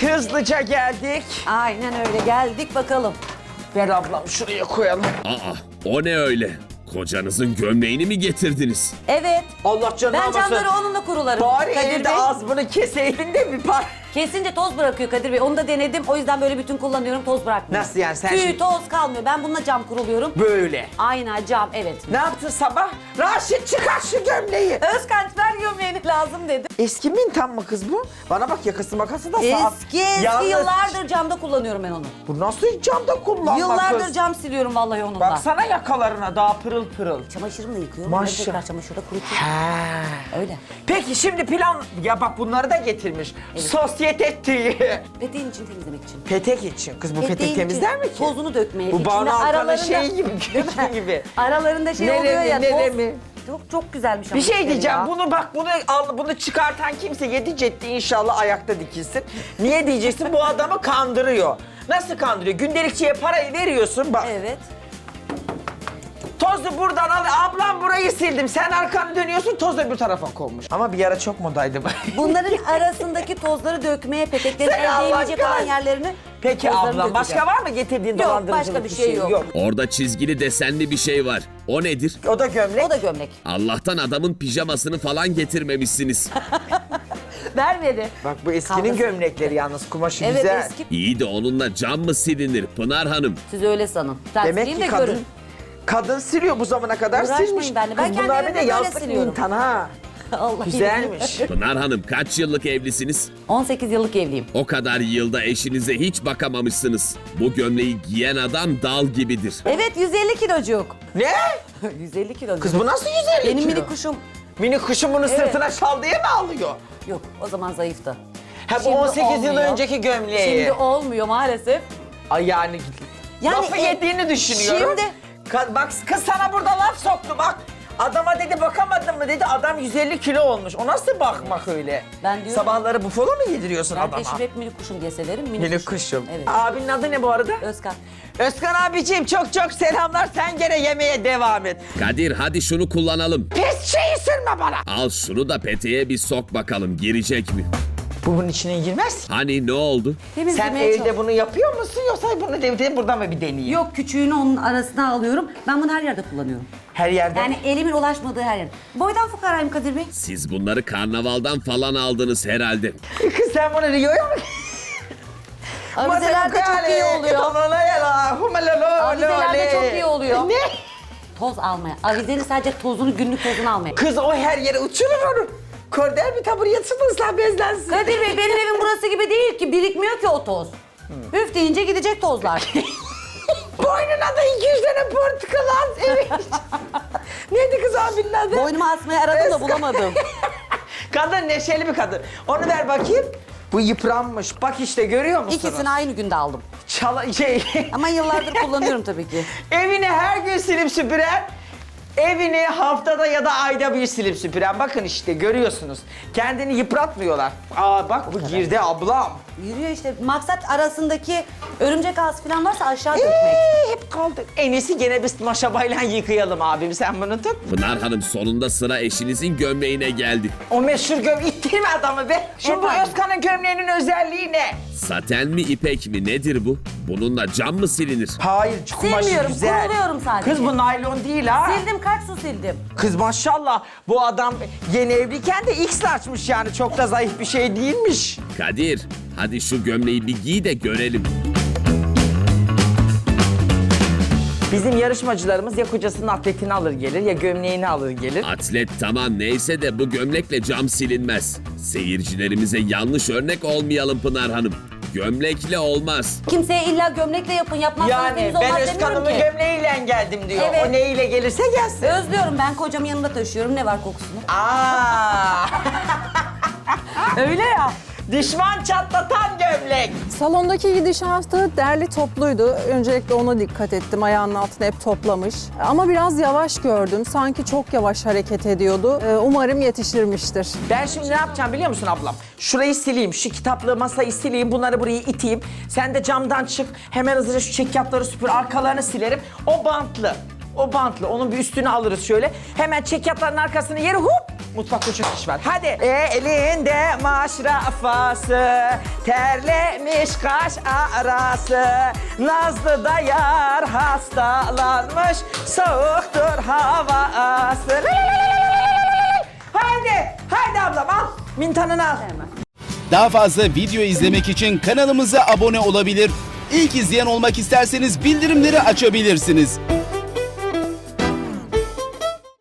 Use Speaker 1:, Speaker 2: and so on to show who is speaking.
Speaker 1: Evet, hızlıca geldik.
Speaker 2: Aynen öyle, geldik bakalım.
Speaker 1: Ver ablam, şuraya koyalım.
Speaker 3: Aa, o ne öyle? Kocanızın gömleğini mi getirdiniz?
Speaker 2: Evet.
Speaker 1: Allah canını
Speaker 2: Ben
Speaker 1: almasın.
Speaker 2: camları onunla kurularım.
Speaker 1: Bari
Speaker 2: Kadir
Speaker 1: evde
Speaker 2: Bey.
Speaker 1: az bunu keseydin de bir par...
Speaker 2: Kesince toz bırakıyor Kadir Bey. Onu da denedim. O yüzden böyle bütün kullanıyorum, toz bırakmıyor.
Speaker 1: Nasıl yani? Sen
Speaker 2: Tüy,
Speaker 1: şimdi-
Speaker 2: toz kalmıyor. Ben bununla cam kuruluyorum.
Speaker 1: Böyle.
Speaker 2: Aynen cam, evet.
Speaker 1: Ne yaptın sabah? Raşit çıkar şu gömleği.
Speaker 2: Özkanç ver gömleğini lazım dedi.
Speaker 1: Eski mintan mı kız bu? Bana bak, yakası makası da sağ.
Speaker 2: Eski
Speaker 1: Yalnız-
Speaker 2: yıllardır camda kullanıyorum ben onu.
Speaker 1: Bu nasıl camda kullanma
Speaker 2: Yıllardır
Speaker 1: kız?
Speaker 2: cam siliyorum vallahi onunla.
Speaker 1: Baksana yakalarına daha pırıl pırıl.
Speaker 2: Çamaşırımla yıkıyorum.
Speaker 1: Maşallah.
Speaker 2: Maşallah. Tekrar çamaşırda kurutuyorum.
Speaker 1: He.
Speaker 2: Öyle.
Speaker 1: Peki şimdi plan... Ya bak bunları da getirmiş. Sosyete tüyü.
Speaker 2: Peteğin için temizlemek için.
Speaker 1: Petek için. Kız bu petek
Speaker 2: Peteğin
Speaker 1: temizler mi ki?
Speaker 2: Tozunu dökmeye.
Speaker 1: Bu
Speaker 2: içinde
Speaker 1: Banu Alkan'ın
Speaker 2: aralarında-
Speaker 1: şeyi gibi, kökü gibi.
Speaker 2: Aralarında şey
Speaker 1: Nere
Speaker 2: oluyor
Speaker 1: mi,
Speaker 2: ya.
Speaker 1: nere
Speaker 2: toz.
Speaker 1: mi?
Speaker 2: Çok güzelmiş ama.
Speaker 1: Bir şey diyeceğim.
Speaker 2: ya.
Speaker 1: Bunu bak, bunu çıkartan kimse yedi cetti inşallah ayakta dikilsin. Niye diyeceksin? Bu adamı kandırıyor. Nasıl kandırıyor? Gündelikçiye parayı veriyorsun bak.
Speaker 2: Evet.
Speaker 1: Tozu buradan al. Ablam burayı sildim. Sen arkanı dönüyorsun, toz öbür tarafa konmuş. Ama bir ara çok modaydı.
Speaker 2: Bunların arasındaki tozları dökmeye, peteklerin
Speaker 1: Sen Allah
Speaker 2: elde yiyecek olan
Speaker 1: kahretsin.
Speaker 2: yerlerini.
Speaker 1: Peki
Speaker 2: tozlarını
Speaker 1: ablam, başka
Speaker 2: dökeceğim.
Speaker 1: var mı getirdiğin
Speaker 2: Yok,
Speaker 1: dolandırıcılık
Speaker 2: başka bir şey yok.
Speaker 3: Orada çizgili desenli bir şey var. O nedir?
Speaker 1: O da gömlek.
Speaker 2: O da gömlek.
Speaker 3: Allah'tan adamın pijamasını falan getirmemişsiniz.
Speaker 2: Vermedi.
Speaker 1: Bak bu eskinin
Speaker 2: Kavgası.
Speaker 1: gömlekleri yalnız, kumaşı
Speaker 2: Evet,
Speaker 1: güzel.
Speaker 2: eski.
Speaker 3: İyi de onunla cam mı silinir Pınar Hanım?
Speaker 2: Siz öyle sanın. Sen
Speaker 1: Demek
Speaker 2: sileyim
Speaker 1: ki
Speaker 2: de
Speaker 1: kadın,
Speaker 2: görün.
Speaker 1: kadın siliyor bu zamana kadar,
Speaker 2: Uğraşmayın
Speaker 1: silmiş.
Speaker 2: benimle. Ben
Speaker 1: Kız
Speaker 2: kendi
Speaker 1: bunlar bir
Speaker 2: evimde
Speaker 1: de
Speaker 2: böyle
Speaker 1: yazlık
Speaker 2: siliyorum.
Speaker 1: mintan ha.
Speaker 2: Allah
Speaker 1: Güzelmiş.
Speaker 3: Pınar Hanım kaç yıllık evlisiniz?
Speaker 2: 18 yıllık evliyim.
Speaker 3: O kadar yılda eşinize hiç bakamamışsınız. Bu gömleği giyen adam dal gibidir.
Speaker 2: Evet, 150 kilocuk.
Speaker 1: Ne?
Speaker 2: 150 kilocuk.
Speaker 1: Kız bu nasıl 150
Speaker 2: Benim
Speaker 1: kilo?
Speaker 2: mini kuşum.
Speaker 1: Mini kuşun bunu
Speaker 2: Evet.
Speaker 1: sırtına şal diye mi alıyor?
Speaker 2: Yok, o zaman zayıftı.
Speaker 1: Ha bu
Speaker 2: Şimdi
Speaker 1: 18 yıl
Speaker 2: olmuyor.
Speaker 1: önceki gömleği.
Speaker 2: Şimdi olmuyor maalesef.
Speaker 1: Ay yani,
Speaker 2: Yani
Speaker 1: lafı yediğini düşünüyorum.
Speaker 2: şimdi-
Speaker 1: Bak kız sana burada laf soktu bak. Adama dedi bakamadın mı dedi, adam 150 kilo olmuş. O nasıl bakmak öyle?
Speaker 2: Ben diyorum-
Speaker 1: Sabahları bufalo mu yediriyorsun
Speaker 2: Ben
Speaker 1: adama?
Speaker 2: eşim hep mini kuşum diye severim.
Speaker 1: Mini kuşum.
Speaker 2: Evet.
Speaker 1: Abinin adı ne bu arada?
Speaker 2: Özkan.
Speaker 1: Özkan abiciğim çok çok selamlar. Sen gene yemeğe devam et.
Speaker 3: Kadir hadi şunu kullanalım.
Speaker 1: Pis şeyi sürme bana.
Speaker 3: Al şunu da peteğe bir sok bakalım girecek mi?
Speaker 1: Bu bunun içine girmez.
Speaker 3: Hani ne oldu?
Speaker 1: Sen
Speaker 2: Temizlemeye
Speaker 1: evde
Speaker 2: çalış.
Speaker 1: bunu yapıyor musun yoksa bunu evde burada mı bir deneyeyim?
Speaker 2: Yok, küçüğünü onun arasına alıyorum. Ben bunu her yerde kullanıyorum.
Speaker 1: Her yerde.
Speaker 2: Yani elimin ulaşmadığı her yerde. Boydan fukarayım Kadir Bey.
Speaker 3: Siz bunları karnavaldan falan aldınız herhalde.
Speaker 1: Kız sen bunu Rio'ya mı?
Speaker 2: Avizelerde çok iyi oluyor. Avizelerde çok iyi oluyor.
Speaker 1: Ne?
Speaker 2: Toz almaya. Avizenin sadece tozunu, günlük tozunu almaya.
Speaker 1: Kız o her yere uçurur onu. Kordel bir tabur yatsın ıslah bezlensin.
Speaker 2: Kadir Bey, benim evim burası gibi değil ki. Birikmiyor ki o toz. Üf deyince gidecek tozlar.
Speaker 1: Boynuna da 200 tane portakal al. Evet. Neydi kız abinin adı?
Speaker 2: Boynuma asmayı aradım da
Speaker 1: Özkan.
Speaker 2: bulamadım.
Speaker 1: Kadın neşeli bir kadın. Onu ver bakayım. Bu yıpranmış. Bak işte görüyor musunuz?
Speaker 2: İkisini aynı günde aldım. Ama yıllardır kullanıyorum tabii ki.
Speaker 1: Evini her gün silip süpüren, evini haftada ya da ayda bir silip süpüren. Bakın işte görüyorsunuz. Kendini yıpratmıyorlar. Aa bak bu girdi ablam.
Speaker 2: Yürüyor işte. Maksat arasındaki örümcek ağzı falan varsa aşağı dökmek.
Speaker 1: Hep kaldık. En iyisi gene biz maşabayla yıkayalım abim, sen bunu tut.
Speaker 3: Pınar Hanım sonunda sıra eşinizin gömleğine geldi.
Speaker 1: O meşhur ittirme adamı be. Şimdi bu
Speaker 2: Efendim?
Speaker 1: Özkan'ın gömleğinin özelliği ne?
Speaker 3: Saten mi ipek mi nedir bu? Bununla cam mı silinir?
Speaker 1: Hayır, kumaşı
Speaker 2: Silmiyorum,
Speaker 1: güzel.
Speaker 2: kuruluyorum sadece.
Speaker 1: Kız bu naylon değil ha.
Speaker 2: Sildim, kaç su sildim.
Speaker 1: Kız maşallah bu adam yeni evliyken de X açmış yani, çok da zayıf bir şey değilmiş.
Speaker 3: Kadir hadi şu gömleği bir giy de görelim.
Speaker 1: Bizim yarışmacılarımız ya kocasının atletini alır gelir ya gömleğini alır gelir.
Speaker 3: Atlet tamam neyse de bu gömlekle cam silinmez. Seyircilerimize yanlış örnek olmayalım Pınar Hanım. Gömlekle olmaz.
Speaker 2: Kimseye illa gömlekle yapın, yapmazsanız
Speaker 1: Yani
Speaker 2: temiz
Speaker 1: ben
Speaker 2: olmaz demiyorum
Speaker 1: Özkan'ımın
Speaker 2: ki.
Speaker 1: gömleğiyle geldim diyor.
Speaker 2: Evet.
Speaker 1: O neyle gelirse gelsin.
Speaker 2: Özlüyorum, ben kocamı yanımda taşıyorum. Ne var kokusunu?
Speaker 1: Aa.
Speaker 2: Öyle ya.
Speaker 1: Düşman çatlatan gömlek.
Speaker 4: Salondaki gidişatı derli topluydu. Öncelikle ona dikkat ettim. Ayağının altına hep toplamış. Ama biraz yavaş gördüm. Sanki çok yavaş hareket ediyordu. Umarım yetiştirmiştir.
Speaker 1: Ben şimdi ne yapacağım biliyor musun ablam? Şurayı sileyim, şu kitaplığı, masayı sileyim, bunları buraya iteyim. Sen de camdan çık, hemen hızlıca şu çekyatları süpür, arkalarını silerim. O bantlı. O bantlı. Onun bir üstünü alırız şöyle. Hemen çekyatların arkasını yere hop. Mutfakta çok iş var. Hadi. Elinde maşrafası, terlemiş kaş arası. Nazlı da yar hastalanmış, soğuktur havası. Haydi ablam al. Mintanını al.
Speaker 5: Daha fazla video izlemek için kanalımıza abone olabilir. İlk izleyen olmak isterseniz bildirimleri açabilirsiniz.